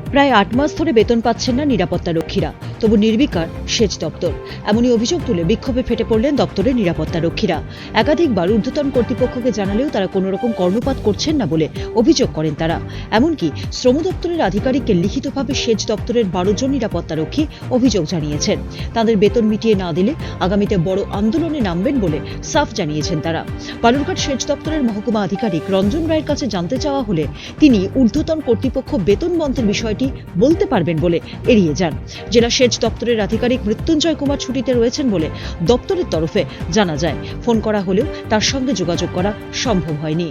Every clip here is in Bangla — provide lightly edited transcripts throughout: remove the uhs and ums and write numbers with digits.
প্রায় ৮ মাস ধরে বেতন পাচ্ছেন না নিরাপত্তা রক্ষীরা, তবু নির্বিকার সেচ দপ্তর। এমনই অভিযোগ তুলে বিক্ষোভে ফেটে পড়লেন দপ্তরের নিরাপত্তা রক্ষীরা। একাধিকবার ঊর্ধ্বতন কর্তৃপক্ষকে জানালেও তারা কোনো রকম কর্ণপাত করছেন না বলে অভিযোগ করেন তারা। এমনকি শ্রম দপ্তরের আধিকারিককে লিখিতভাবে সেচ দপ্তরের ১২ জন নিরাপত্তা রক্ষী অভিযোগ জানিয়েছেন। তাদের বেতন মিটিয়ে না দিলে আগামীতে বড় আন্দোলনে নামবেন বলে সাফ জানিয়েছেন তারা। বালুরঘাট সেচ দপ্তরের মহকুমা আধিকারিক রঞ্জন রায়ের কাছে জানতে চাওয়া হলে তিনি ঊর্ধ্বতন কর্তৃপক্ষ বেতন বন্ধের বিষয়টি বলতে পারবেন বলে এড়িয়ে যান। জেলা সেচ দপ্তরের আধিকারিক মৃত্যুঞ্জয় কুমার ছুটিতে রয়েছেন বলে দপ্তরের তরফে জানা যায়। ফোন করা হলেও তার সঙ্গে যোগাযোগ করা সম্ভব হয়নি।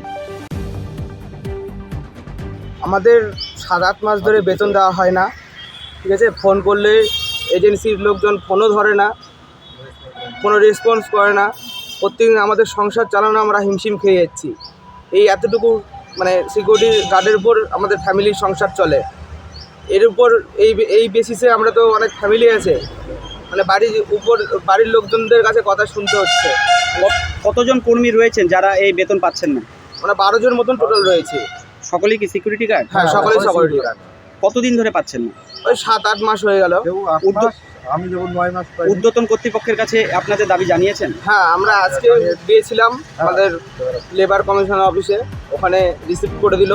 আমাদের ৭-৮ মাস ধরে বেতন দেওয়া হয় না, ঠিক আছে। ফোন করলে এজেন্সির লোকজন ফোনও ধরে না, কোনো রেসপন্স করে না। প্রত্যেকদিন আমাদের সংসার চালানো আমরা হিমশিম খেয়ে যাচ্ছি। এই এতটুকু মানে সিকিউরিটি গার্ডের উপর আমাদের ফ্যামিলির সংসার চলে। এর উপর এই বেসিসে আমরা তো অনেক ফ্যামিলি আছে, মানে বাড়ির লোকজনদের কাছে কথা শুনতে হচ্ছে। কতজন কর্মী রয়েছেন যারা এই বেতন পাচ্ছেন না? মানে ১২ জন মতন টোটাল রয়েছে। সকলেই কি সিকিউরিটি গার্ড? হ্যাঁ, সকলেই সিকিউরিটি গার্ড। কতদিন ধরে পাচ্ছেন না? ওই ৭-৮ মাস হয়ে গেল। আমি যখন ৯ মাস পাই। ঊর্ধ্বতন কর্তৃপক্ষের কাছে আপনাদের দাবি জানিয়েছেন? হ্যাঁ, আমরা আজকে গিয়েছিলাম আমাদের লেবার কমিশন অফিসে, ওখানে রিসিভ করে দিল।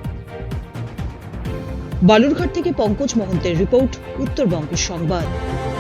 বালুরঘাট থেকে পঙ্কজ মহন্তের রিপোর্ট, উত্তরবঙ্গ সংবাদ।